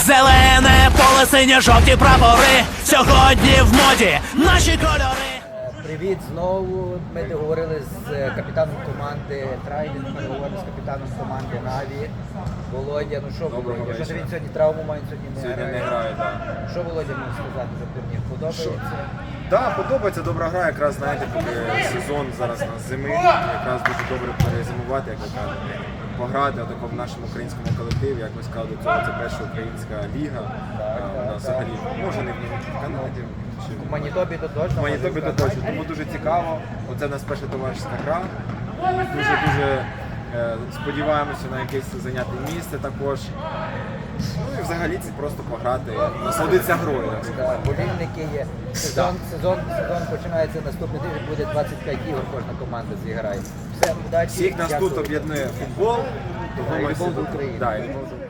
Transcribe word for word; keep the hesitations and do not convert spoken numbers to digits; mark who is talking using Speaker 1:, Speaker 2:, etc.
Speaker 1: Зелене поле, синьо-жовті прапори. Сьогодні в моді наші кольори.
Speaker 2: Привіт знову. Ми договорили з капітаном команди Трайдент, ми говорили з капітаном команди Наві. Володя, ну що Володя? Що ж він сьогодні травму має, сьогодні не
Speaker 3: Сьогодні
Speaker 2: грає?
Speaker 3: не грає, так.
Speaker 2: Що Володя може сказати за турнір? Подобається?
Speaker 3: Так, подобається, добра гра, якраз знаєте, поки сезон зараз на зими, якраз дуже добре перезимувати, як ви кажете, пограти отако в нашому українському колективі, як ви сказали, до цього це перша українська ліга, а, вона взагалі може не в Канаді. чи
Speaker 2: В Манітобі то точно.
Speaker 3: В Манітобі
Speaker 2: можна
Speaker 3: то точно,
Speaker 2: сказати.
Speaker 3: тому дуже цікаво. Оце в нас перша товариська гра. Дуже-дуже е, сподіваємося на якесь зайняте місце також. Ну і взагалі це просто пограти, насолодитися грою. так сказати.
Speaker 2: Так, болівники є. Сезон, сезон, сезон починається наступний тиждень, буде двадцять п'ять ігор, кожна команда зіграє. Все, удачі.
Speaker 3: Всіх нас
Speaker 2: дякую.
Speaker 3: тут об'єднує футбол.
Speaker 2: Да, і
Speaker 3: ми
Speaker 2: любов
Speaker 3: всі
Speaker 2: до
Speaker 3: тут-
Speaker 2: України.
Speaker 3: Да, і любов до